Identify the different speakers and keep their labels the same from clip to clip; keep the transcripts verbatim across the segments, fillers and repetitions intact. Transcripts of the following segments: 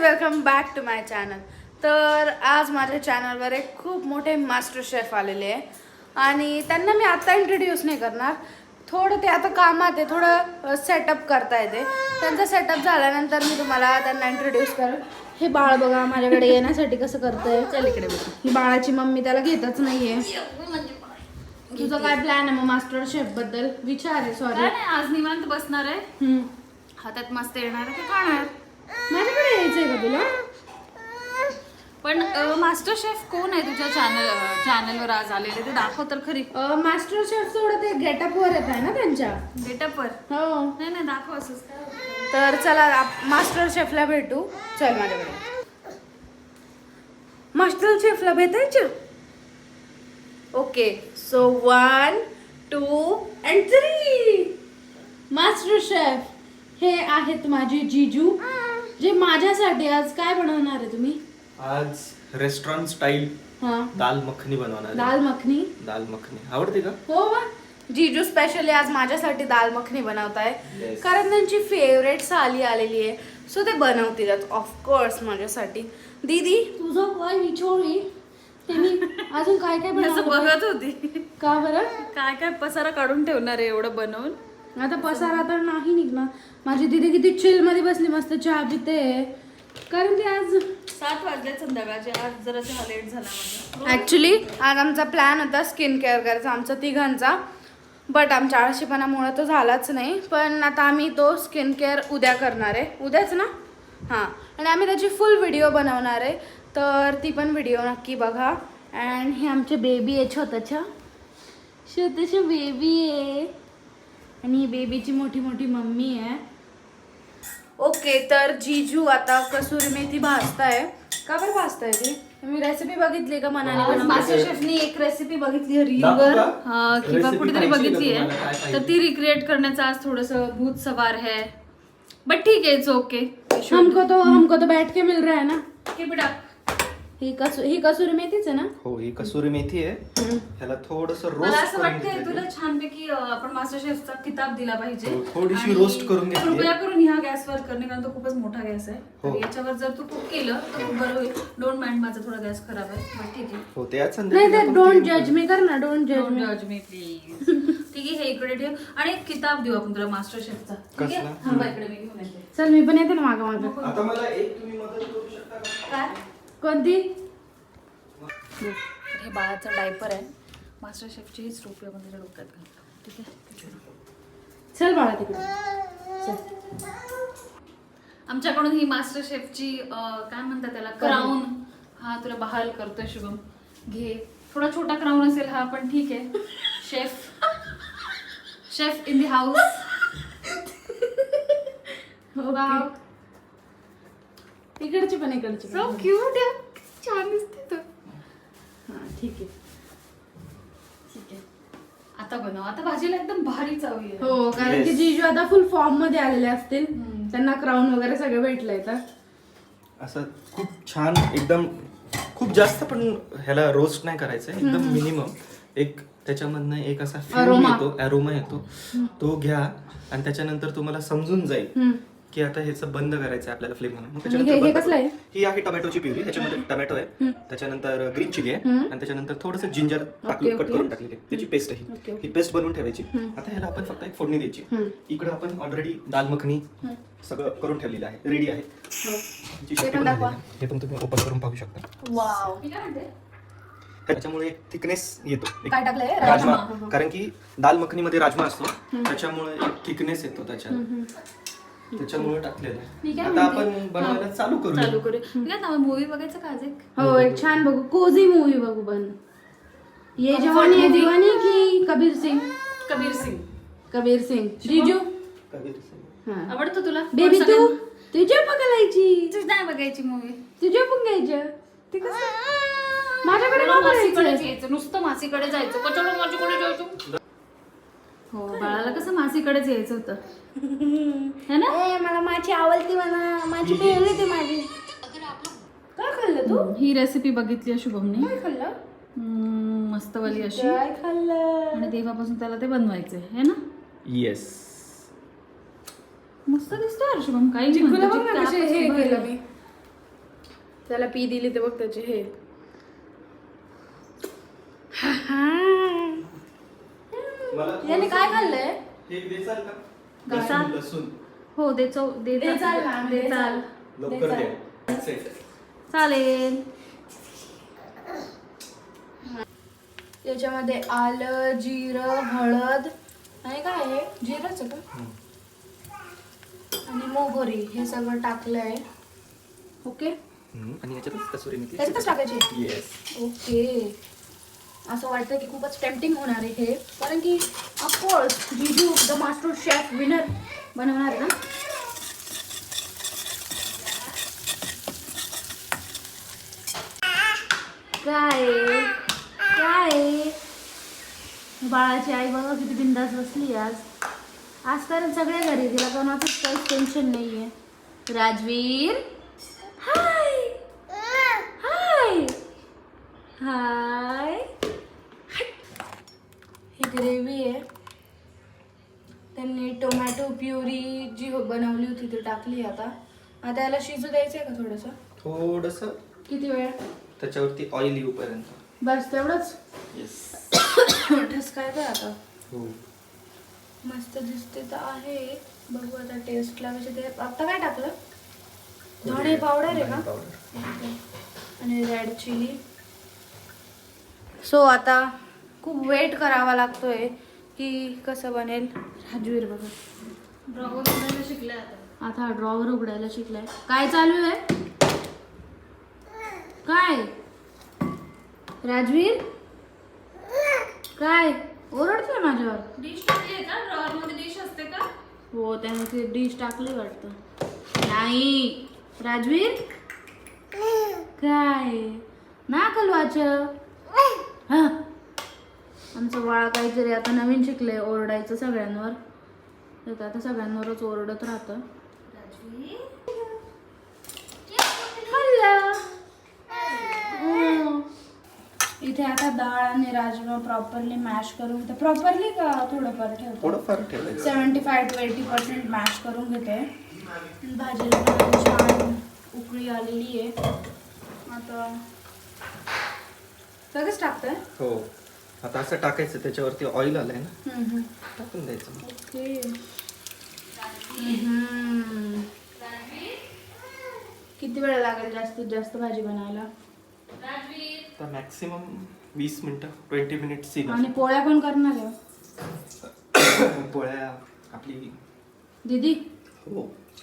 Speaker 1: Welcome back to my channel. तर आज माझ्या चॅनलवर एक खूप मोठे मास्टर शेफ आलेले आहे आणि त्यांना मी आता इंट्रोड्यूस नाही करणार. थोडं ते आता कामात आहे, थोडं सेटअप करता येते. त्यांचा सेटअप झाल्यानंतर मी तुम्हाला त्यांना इंट्रोड्यूस करेन. हे बाळ बघा माझ्याकडे येण्यासाठी कसं करतंय. चल इकडे बघ. ही बाळाची मम्मी त्याला घेतच नाहीये. तुझा काय प्लॅन आहे मग मास्टर शेफ बद्दल? विचार आहे. सॉरी,
Speaker 2: आज निवांत बसणार आहे, हातात मस्त येणार आहे, ते खाणार.
Speaker 1: माझ्याकडे यायचंय का तुला?
Speaker 2: पण मास्टर शेफ कोण आहे तुझ्या चॅनल चॅनलवर आज आलेले, ते दाखव तर खरी.
Speaker 1: मास्टर शेफ थोडं ते गेटअप वर येत आहे ना त्यांच्या
Speaker 2: गेटअपवर.
Speaker 1: हो
Speaker 2: नाही नाही दाखव असंच.
Speaker 1: तर चला मास्टर शेफला भेटू. चल माझ्याकडे. मास्टर शेफला भेटायचं. Okay, so one two and three. Master chef हे आहेत माझे जीजू, जे माझ्यासाठी आज काय बनवणार आहे तुम्ही?
Speaker 3: आज रेस्टॉरंट स्टाईल
Speaker 1: हा,
Speaker 3: दाल मखनी बनवणार आहे.
Speaker 1: दाल मखनी.
Speaker 3: दाल मखनी आवडते का?
Speaker 1: हो वा. जीजू स्पेशली आज माझ्यासाठी दाल मखनी बनवताय.
Speaker 3: Yes.
Speaker 1: कारण त्यांची फेवरेट साली आलेली आहे, सो ते बनवतीलच ऑफकोर्स माझ्यासाठी. दीदी तुझं काय विचारली ते मी अजून काय काय
Speaker 2: असं
Speaker 1: बनवलं
Speaker 2: बघत होती,
Speaker 1: का बरं?
Speaker 2: काय काय पसारा काढून ठेवणार आहे एवढं बनवून.
Speaker 1: आता पसारा तर नाही निघणार. माझी दीदी किती चिल मध्ये बसली, मस्त चहा पिते. कारण ती आज
Speaker 2: सात वाजले संध्याकाळचे, आज जरा चहा लेट झाला माझा.
Speaker 1: ऍक्च्युली आज आमचा प्लॅन होता स्किन केअर करायचा आमचा तिघांचा, बट आमच्या आळशीपणामुळे तो झालाच नाही. पण आता आम्ही तो स्किन केअर उद्या करणार आहे. उद्याच ना? हां. आणि आम्ही त्याची फुल व्हिडिओ बनवणार आहे, तर ती पण व्हिडिओ नक्की बघा. अँड हे आमचे बेबी आहे, छोटंच्या छोटंसं बेबी आहे. आणि ही बेबीची मोठी मोठी मम्मी आहे. ओके, तर जीजू आता कसुरी मेथी भाजताय. का बरं भाजताय ती? मी रेसिपी बघितली का मनाने?
Speaker 2: मास्टर शेफनी एक रेसिपी बघितली रील
Speaker 3: दाखवू
Speaker 2: वर,
Speaker 3: का?
Speaker 2: हा, किंवा
Speaker 3: Recipe
Speaker 2: कुठेतरी
Speaker 3: पाहिजे का
Speaker 2: बघितली आहे,
Speaker 3: तुम्हाला? काय
Speaker 2: तर
Speaker 3: पाहिजे?
Speaker 2: ती रिक्रिएट करण्याचा आज थोडस भूत सवार है. बट ठीक है, इट्स ओके.
Speaker 1: हमको तो हमको तो बैठ के मिल रहा है ना.
Speaker 2: के बेटा,
Speaker 1: ही कसु ही कसुरी मेथीच आहे ना?
Speaker 3: हो, ही कसुरी मेथी आहे. ह्याला थोडस
Speaker 2: मला
Speaker 3: रोस्ट
Speaker 2: असं
Speaker 3: करून
Speaker 2: वाटतंय
Speaker 3: घेतलंय.
Speaker 2: तुला छानपैकी अं, आपण मास्टर शेफचा किताब दिला पाहिजे.
Speaker 3: हो, थोडीशी
Speaker 2: आणि
Speaker 3: roast करून घेतली आहे.
Speaker 2: कृपया करून ह्या गॅसवर करणे, कारण तो खूपच मोठा गॅस आहे.
Speaker 3: हो.
Speaker 2: तर याच्यावर जर तू कुक केलं तर खूप बरं होईल. डोंट माइंड, माझा थोडा गॅस खराब आहे, बट ठीक आहे.
Speaker 3: हो, ते आज
Speaker 1: नाही
Speaker 3: संध्याकाळी
Speaker 1: ते
Speaker 3: आपण
Speaker 1: डोंट
Speaker 3: clean
Speaker 1: जज मी कर ना. डोंट जज
Speaker 2: डोंट
Speaker 1: मी.
Speaker 2: जज मी प्लीज. ठीक आहे, हे इकडे ठेव आणि एक किताब देऊ आपण तुला मास्टर शेफचा. ठीक आहे,
Speaker 3: कसला?
Speaker 2: थांबा इकडे मी घेऊन येते.
Speaker 1: चल मी पण येते ना मागं मागं.
Speaker 3: करू. आता मला एक तुम्ही मदत करू शकता का?
Speaker 2: काय?
Speaker 1: कोणती?
Speaker 2: हे बाळाचं डायपर आहे. मास्टर शेफची हीच टोपी आपण त्याच्या डोक्यात घालतो. ठीक आहे,
Speaker 1: चल बाळा तिकडे चल.
Speaker 2: आमच्याकडून ही मास्टर शेफची काय म्हणतात त्याला, क्राऊन हा तुला बहाल करतोय शुभम. घे. थोडा छोटा क्राऊन असेल हा, पण ठीक आहे. Chef chef in the house. Wow,
Speaker 1: इकडची पण इकडची
Speaker 2: सो
Speaker 1: पण.
Speaker 2: क्यूट आहे, छान दिसते तू.
Speaker 1: हा ठीक आहे.
Speaker 2: ठीक आहे, आता बनव. आता भाजीला एकदम भारी चव येईल.
Speaker 1: हो, कारण
Speaker 3: Yes.
Speaker 1: की जीजू आता फुल फॉर्म मध्ये आलेले असतील.
Speaker 2: हम्म.
Speaker 1: त्यांना क्राऊन वगैरे सगळं भेटलंय. तर
Speaker 3: असं खूप छान, एकदम खूप जास्त पण ह्याला रोस्ट नाही करायचं, एकदम मिनिमम. एक त्याच्यामधनं एक असा फ्लेवर
Speaker 1: Aroma.
Speaker 3: येतो, अरोमा येतो, तो घ्या आणि त्याच्यानंतर तुम्हाला समजून जाईल
Speaker 1: हम्म.
Speaker 3: की आता ह्याचं बंद करायचं आहे आपल्याला फ्लेम म्हणून. मग
Speaker 1: आणि
Speaker 3: त्याच्यानंतर
Speaker 1: हे- हे
Speaker 3: बंद
Speaker 1: कसलं आहे?
Speaker 3: करू. ही आहे टोमॅटोची प्युरी. ह्याच्यामध्ये टोमॅटो आहे, त्याच्यानंतर ग्रीन चिली आहे, आणि त्याच्यानंतर थोडंसं जिंजर टाकलं, कट
Speaker 1: ओके.
Speaker 3: करून टाकलेली त्याची पेस्ट आहे.
Speaker 1: ओके,
Speaker 3: ही
Speaker 1: ओके.
Speaker 3: ही पेस्ट बनवून ठेवायची. आता ह्याला आपण फक्त एक फोडणी द्यायची. इकडे आपण ऑलरेडी दाल मखनी सगळं करून ठेवलेलं आहे, रेडी आहे. जी
Speaker 1: ते
Speaker 3: शेपटी
Speaker 1: पण दाखवा.
Speaker 3: बनवलेली आहे. हे पण तुम्ही ओपन करून पाहू शकता.
Speaker 1: वाव.
Speaker 2: मी काय म्हणते,
Speaker 3: त्याच्यामुळे एक थिकनेस येतो, एक
Speaker 2: काय टाकलंय?
Speaker 3: राजमा.
Speaker 2: राजमा.
Speaker 3: कारण की दाल मखनीमध्ये राजमा असतो, त्याच्यामुळे एक थिकनेस येतो त्याच्यात, त्याच्यामुळे टाकलेलं
Speaker 1: मी
Speaker 3: आहे.
Speaker 1: काय
Speaker 3: आता
Speaker 1: म्हणते?
Speaker 3: आपण बनवायला चालू करू.
Speaker 2: चालू करू. मी काय नाव, मूवी बघायचं का आज एक?
Speaker 1: हो, एक छान बघू, कोझी मूवी बघू. पण ये जवानी है दीवानी की कबीर सिंग?
Speaker 2: कबीर सिंग.
Speaker 1: कबीर सिंग. जीजू हा.
Speaker 2: आवडतो तुला?
Speaker 1: बेबी
Speaker 2: कोण
Speaker 1: तू
Speaker 2: सगळ्यात-
Speaker 1: तुझ्या बघायची,
Speaker 2: तुझी नाही बघायची मूवी.
Speaker 1: तुझ्या पण घ्यायच्या. ते कसं माझ्याकडे
Speaker 2: मला
Speaker 1: का
Speaker 2: मासीकडे
Speaker 1: बघायचं?
Speaker 2: जायचं, नुसतं मासीकडे जायचं. कशाला माझ्याकडे जायचं? हो, बाळाला कसं मासीकडेच यायचं होतं, है ना?
Speaker 1: ए, मला माझी आवडती, मला माझी फेवरेट आहे माझी. काय खाल्लं तू?
Speaker 2: ही रेसिपी बघितली आहे शुभमने.
Speaker 1: काय खाल्लं?
Speaker 2: हम्म, मस्तवाली अशी.
Speaker 1: काय खाल्लं?
Speaker 2: आणि तेव्हापासून त्याला ते बनवायचंय, है ना?
Speaker 3: येस.
Speaker 2: मस्त दिसतोय यार शुभम. काही
Speaker 1: चिकूला बघ ना कसे हे केलं मी. त्याला पी दिली ते बघ त्याचे हे.
Speaker 3: मला
Speaker 1: याने काय खाल्लंय?
Speaker 3: हे देसाल का?
Speaker 2: देसाल?
Speaker 3: लसूण, लसूण
Speaker 2: हो दे चौ दे
Speaker 1: दे चाल ना,
Speaker 2: दे
Speaker 1: दे
Speaker 2: चाल.
Speaker 3: लवकर
Speaker 1: देसाल.
Speaker 3: द्या. Set.
Speaker 2: चालेल.
Speaker 1: याच्यामध्ये आलं, जिरं, हळद आणि काय आहे जिरंच आहे का
Speaker 3: हम्म.
Speaker 1: आणि मोहरी हे सगळं टाकलंय. ओके
Speaker 3: हम्म, आणि याच्यातच कसुरी मेथी.
Speaker 1: त्याच्यातच टाकायची.
Speaker 3: येस.
Speaker 1: ओके असं वाटतं की खूपच टेम्पटिंग होणार आहे हे, कारण की ऑफकोर्स जीजू द मास्टर शेफ विनर बनवणार आहे ना.
Speaker 2: काय काय बाळाची आई बघा किती बिंदास बसली आज. आज कारण सगळे घरी तिला कोणाचंच काहीच टेन्शन नाहीये. राजवीर हाय हाय हाय.
Speaker 1: ही ग्रेव्ही आहे. त्यांनी टोमॅटो प्युरी जी हो- बनवली होती ती टाकली आता. आता याला शिजू द्यायचं आहे का थोडंसं?
Speaker 3: थोडस
Speaker 1: किती वेळ?
Speaker 3: त्याच्यावरती ऑइल येऊपर्यंत.
Speaker 1: बस तेवढंच.
Speaker 3: येस.
Speaker 1: ठसकायचं आता.
Speaker 3: हो.
Speaker 1: मस्त दिसते तर आहे. बघू आता टेस्टला कसे ते. आता काय टाकलं? धणे पावडर आहे का?
Speaker 3: पावडर.
Speaker 1: आणि रेड चिली. सो आता खूप वेट करावा लागतोय की कसं बनेल. राजवीर बघा
Speaker 2: ड्रॉवर उघडायला शिकलाय आता.
Speaker 1: आता हा ड्रॉवर उघडायला शिकलाय. काय चालू आहे? काय राजवीर काय ओरडतोय माझ्यावर?
Speaker 2: डिश टाकली आहे का? ड्रॉवर मध्ये डिश असते का?
Speaker 1: हो त्याने ती डिश टाकली वाटतं. नाही राजवीर काय ना कलवाच. हा आमचं बाळ काहीतरी आता नवीन शिकलंय ओरडायचं सगळ्यांवर. तर ते आता सगळ्यांवरच ओरडत राहतं. हल्ला. हम्म. इथे आता डाळ आणि राजमा प्रॉपरली मॅश करून घेते. प्रॉपरली का थोडंफार ठेवतो?
Speaker 3: थोडंफार ठेवायचं.
Speaker 1: Seventy five to eighty percent mash करून घेते. भाजीला पण छान उकळी आलेली आहे. आता लगेच टाकतंय.
Speaker 3: हो. आता असं टाकायचं, त्याच्यावरती ऑइल आलंय ना, टाकून द्यायचं.
Speaker 1: ओके. हम्म. किती वेळ लागेल जास्तीत जास्त भाजी बनायला?
Speaker 3: आता मॅक्सिमम वीस मिनिटं ट्वेंटी मिनिट्स.
Speaker 1: आणि पोळ्या कोण करणार आहे?
Speaker 3: पोळ्या आपली
Speaker 1: दीदी.
Speaker 3: हो.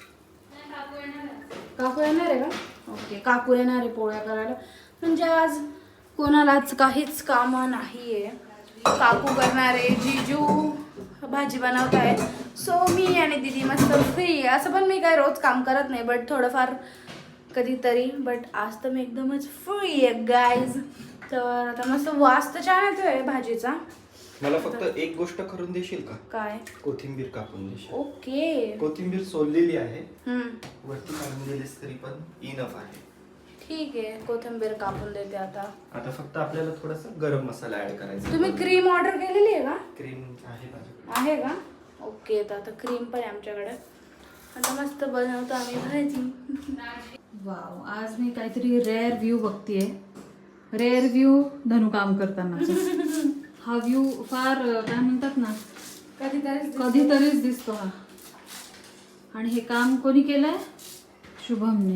Speaker 1: काकू येणार आहे का? ओके काकू येणार आहे पोळ्या करायला. म्हणजे आज कोणालाच काहीच कामं नाही आहे. काकू करणार आहे, जीजू भाजी बनवत आहे. सो मी आणि दीदी मस्त फ्री आहे. असं पण मी काय रोज काम करत नाही, बट थोडंफार कधीतरी. बट आज तर मी एकदमच फ्री आहे गाईज. तर आता मस्त वास तर छान येतोय भाजीचा.
Speaker 3: मला फक्त एक गोष्ट करून देशील का?
Speaker 1: काय?
Speaker 3: कोथिंबीर कापून देशील.
Speaker 1: ओके.
Speaker 3: कोथिंबीर सोललेली आहे,
Speaker 1: हम्म.
Speaker 3: वरती काढून दिलीस तरी पण इनफ आहे.
Speaker 1: ठीक आहे कोथिंबीर कापून देते आता.
Speaker 3: आता फक्त आपल्याला थोडासा गरम मसाला ऍड करायचा.
Speaker 1: तुम्ही क्रीम ऑर्डर केलेली आहे का?
Speaker 3: क्रीम आहे माझ्याकडे.
Speaker 1: आहे का? ओके तर आता क्रीम पण आहे आमच्याकडे. आता मस्त बनवतो आम्ही भाजी.
Speaker 2: वाव, आज मी काहीतरी रेअर व्ह्यू बघतीये. रेअर व्ह्यू धनु काम करतानाचा. हा व्ह्यू फार काय म्हणतात ना,
Speaker 1: कधीतरी
Speaker 2: कधीतरीच दिसतो हा. आणि हे काम कोणी केलंय? शुभमने.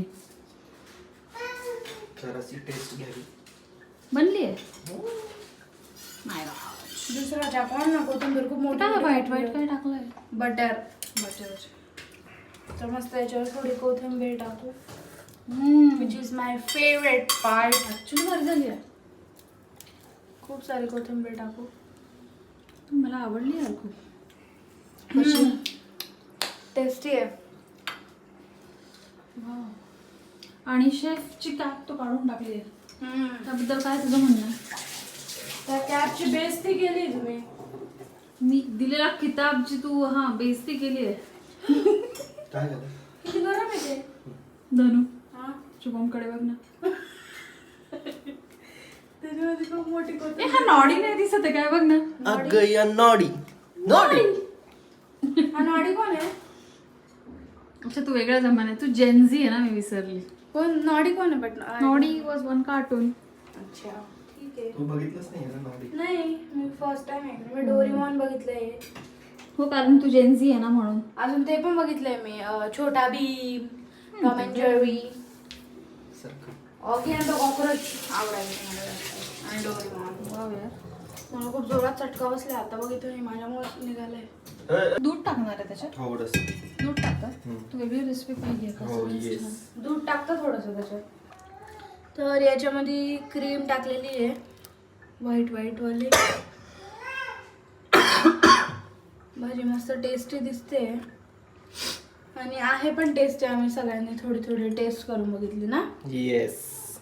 Speaker 3: जराशी टेस्ट घ्यावी.
Speaker 2: बनली आहे.
Speaker 1: दुसरा टाकून ना कोथिंबीर खूप मोठी
Speaker 2: काय
Speaker 1: मोठी
Speaker 2: व्हाईट
Speaker 1: टाकली.
Speaker 2: व्हाईट काय टाकलंय?
Speaker 1: बटर बटर तर मस्त याच्यावर थोडी कोथिंबीर टाकू. Which is my favourite part.
Speaker 2: Actually बरी झाली आहे.
Speaker 1: खूप सारी कोथिंबीर टाकू.
Speaker 2: मला आवडली यार खूप.
Speaker 1: कशी टेस्टी आहे.
Speaker 2: वाव. आणि शेफची कॅप तो काढून टाकली आहे.
Speaker 1: हम्म.
Speaker 2: त्याबद्दल काय तुझं म्हणणं आहे?
Speaker 1: त्या कॅपची बेइज्जती केली तुम्ही.
Speaker 2: मी दिलेला किताबची तू हा बेइज्जती केली आहे.
Speaker 3: काय झालं?
Speaker 1: किती गरम आहे ते.
Speaker 2: धनु
Speaker 1: हा
Speaker 2: शुभमकडे बघ ना.
Speaker 1: त्याच्यामध्ये खूप मोठी
Speaker 2: ए,
Speaker 1: कोथिंबीर.
Speaker 2: हा नॉडी नाही दिसत आहे काय बघ ना.
Speaker 3: अगं या नॉडी नॉडी.
Speaker 1: हा नॉडी कोण आहे?
Speaker 2: अच्छा तू वेगळ्या जमान्यात. तू जेनझी आहे ना, मी विसरली.
Speaker 1: कोण नॉडी कोण आहे but
Speaker 2: Noddy was one cartoon.
Speaker 1: अच्छा ठीक आहे.
Speaker 3: तू बघितलंच नाही ना नॉडी?
Speaker 1: नाही मी फर्स्ट टाइम ऐकलं. मी डोरेमॉन बघितलंय.
Speaker 2: हो कारण तू जेन्झी आहे ना म्हणून.
Speaker 1: अजून ते पण बघितलंय मी अं, Chhota Bheem, Tom and Jerry,
Speaker 3: सारखं.
Speaker 1: ऑगी अँड द कॉकरोच आवडायचं मला जास्त. आणि डोरेमॉन.
Speaker 2: वाव यार.
Speaker 1: मला खूप जोरात चटका बसला. आता बघितलं माझ्यामुळे निघालंय.
Speaker 3: अ,
Speaker 2: दूध टाकणार आहे त्याच्यात.
Speaker 3: थोडंसं.
Speaker 2: दूध टाकतात.
Speaker 3: हम्म.
Speaker 2: तू वेगळी रेसिपी पाहिजे का?
Speaker 3: हो येस.
Speaker 1: दूध टाकतं थोडंसं त्याच्यात. तर याच्यामध्ये क्रीम टाकलेली आहे व्हाईट व्हाईट वाली. भाजी मस्त टेस्टी दिसते आणि आहे पण टेस्टी. आम्ही सगळ्यांनी थोडी थोडी टेस्ट करून बघितली ना.
Speaker 3: येस.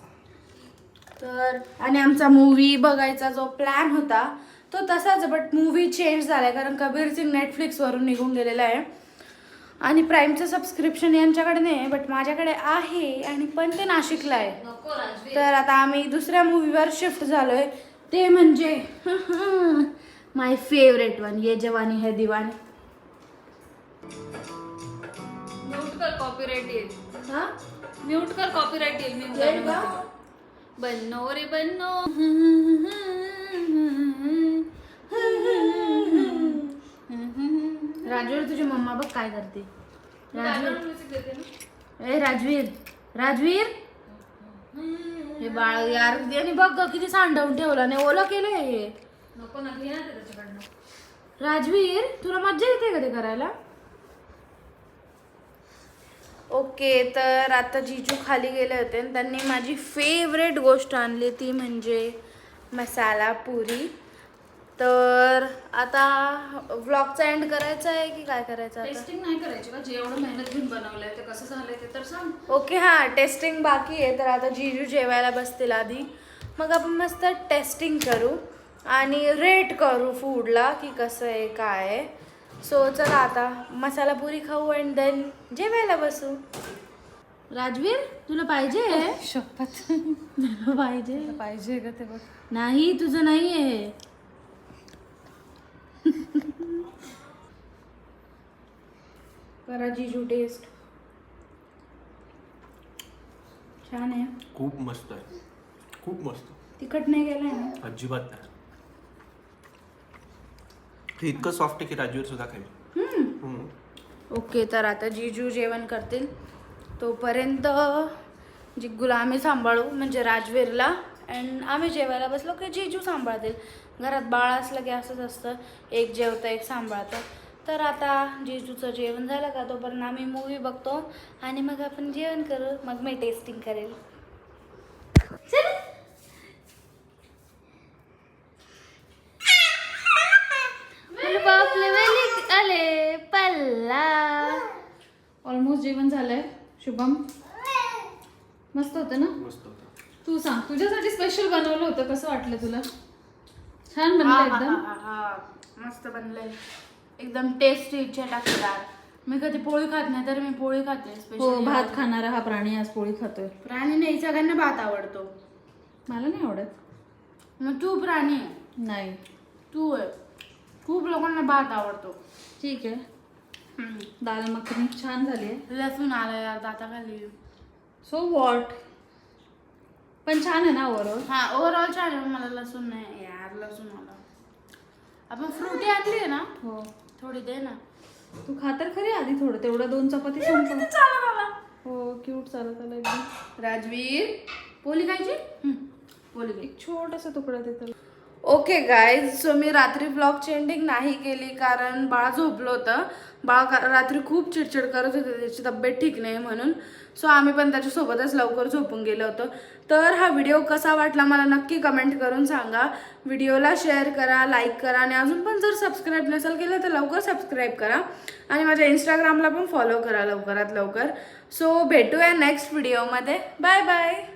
Speaker 1: तर आणि आमचा मूवी बघायचा जो प्लॅन होता तो तसाच, बट मूवी चेंज झाला आहे कारण कबीर सिंग नेटफ्लिक्सवरून निघून गेलेला आहे आणि प्राईमचं सबस्क्रिप्शन यांच्याकडे नाही आहे बट माझ्याकडे आहे आणि पण ते नाशिकला आहे.
Speaker 2: नको राजवीर.
Speaker 1: तर आता आम्ही दुसऱ्या मूवीवर शिफ्ट झालो आहे. ते म्हणजे माय फेवरेट वन ये जवानी है दिवानी.
Speaker 2: म्यूट कर कॉपीराइट येईल.
Speaker 1: हा
Speaker 2: म्यूट कर कॉपीराइट येईल. मी
Speaker 1: येईल का?
Speaker 2: बन्नो रे बन्नो.
Speaker 1: राजवीर तुझी मम्मा बघ काय करते. राजवीर
Speaker 2: म्युझिक देते ना.
Speaker 1: ए राजवीर राजवीर हे बाळ यार आणि बघ ग किती सांडवून ठेवलं नाही. ओलं केलंय हे.
Speaker 2: नको ना घे ना ते त्याच्याकडनं.
Speaker 1: राजवीर तुला मज्जा येते का ते करायला. ओके तर आता जीजू खाली गेले होते आणि त्यांनी माझी फेवरेट गोष्ट आणली ती म्हणजे मसाला पुरी. तर आता व्लॉगचा एंड करायचा आहे की काय करायचं आता.
Speaker 2: टेस्टिंग नाही करायची का? जे एवढं मेहनत घेऊन बनवलंय ते कसं झालंय ते तर सांग.
Speaker 1: ओके हां टेस्टिंग बाकी आहे. तर आता जीजू जेवायला बसतील आधी मग आपण मस्त टेस्टिंग करू आणि रेट करू फूडला की कसं आहे काय आहे. सो चला आता मसाला पुरी खाऊ अँड देन जेवायला बसू. राजवीर तुला पाहिजे
Speaker 2: शपथ
Speaker 1: तुला पाहिजे
Speaker 2: पाहिजे का ते बघ.
Speaker 1: नाही तुझं नाही आहे. करा जीजू टेस्ट. छान आहे.
Speaker 3: खूप मस्त आहे. खूप मस्त.
Speaker 1: तिखट नाही गेलंय ना.
Speaker 3: अजिबात नाही. हे इतकं सॉफ्ट आहे की राजवीर सुद्धा खाईल. हम्म.
Speaker 1: ओके तर आता जीजू जेवण करतील तोपर्यंत जिग्गूला आम्ही सांभाळू म्हणजे राजवीरला अँड आम्ही जेवायला बसलो की जीजू सांभाळतील. घरात बाळ असलं की असंच असतं एक जेवतं एक सांभाळतं. तर आता जीजूचं जेवण झालं का तोपर्यंत आम्ही मूवी बघतो आणि मग आपण जेवण करू. मग मी टेस्टिंग करेल. आले पल्ला.
Speaker 2: ऑलमोस्ट जेवण झालंय. शुभम मस्त होतं ना.
Speaker 3: मस्त होतं.
Speaker 2: तू सांग तुझ्यासाठी स्पेशल बनवलं होतं कसं वाटलं तुला. छान बनलं एकदम.
Speaker 1: मस्त बनलंय एकदम टेस्टी चटाकेदार. मी कधी पोळी खात नाही तर मी पोळी खाते.
Speaker 2: हो
Speaker 1: स्पेशल
Speaker 2: भात खाणारा हा प्राणी आज पोळी खातोय.
Speaker 1: प्राणी नाही सगळ्यांना भात आवडतो.
Speaker 2: मला नाही आवडत.
Speaker 1: मग तू प्राणी आहे.
Speaker 2: नाही
Speaker 1: तू आहे. खूप लोकांना भात आवडतो.
Speaker 2: ठीक आहे. दाल मखनी छान झाली आहे.
Speaker 1: लसूण आलं यार दाताखाली.
Speaker 2: सो वॉट पण छान आहे ना ओव्हरऑल.
Speaker 1: हा ओव्हरऑल छान आहे. मला लसूण नाही यार लसूण आला. आपण फ्रुटी आणली आहे ना
Speaker 2: हो
Speaker 1: थोडी दे ना.
Speaker 2: तू खा तर खरी आधी थोडं तेवढं दोन चपाती संपव.
Speaker 1: चालत आला.
Speaker 2: हो क्यूट चालत आला एकदम.
Speaker 1: राजवीर पोळी खायची. पोळी घे.
Speaker 2: एक छोटासा तुकडा देतो.
Speaker 1: ओके गाईज सो मी रात्री व्लॉगची एंडिंग नाही केली कारण बाळ झोपलं होतं. बाळ का- रात्री खूप चिडचिड करत होते त्याची तब्येत ठीक नाही म्हणून. सो आम्ही पण त्याच्यासोबतच लवकर झोपून गेलो होतो. तर हा व्हिडिओ कसा वाटला मला नक्की कमेंट करून सांगा. व्हिडिओला शेअर करा लाईक करा आणि अजून पण जर सबस्क्राईब नसेल केलं तर लवकर सबस्क्राईब करा आणि माझ्या इंस्टाग्रामला पण फॉलो करा लवकरात लवकर. सो भेटूया नेक्स्ट व्हिडिओमध्ये. Bye bye.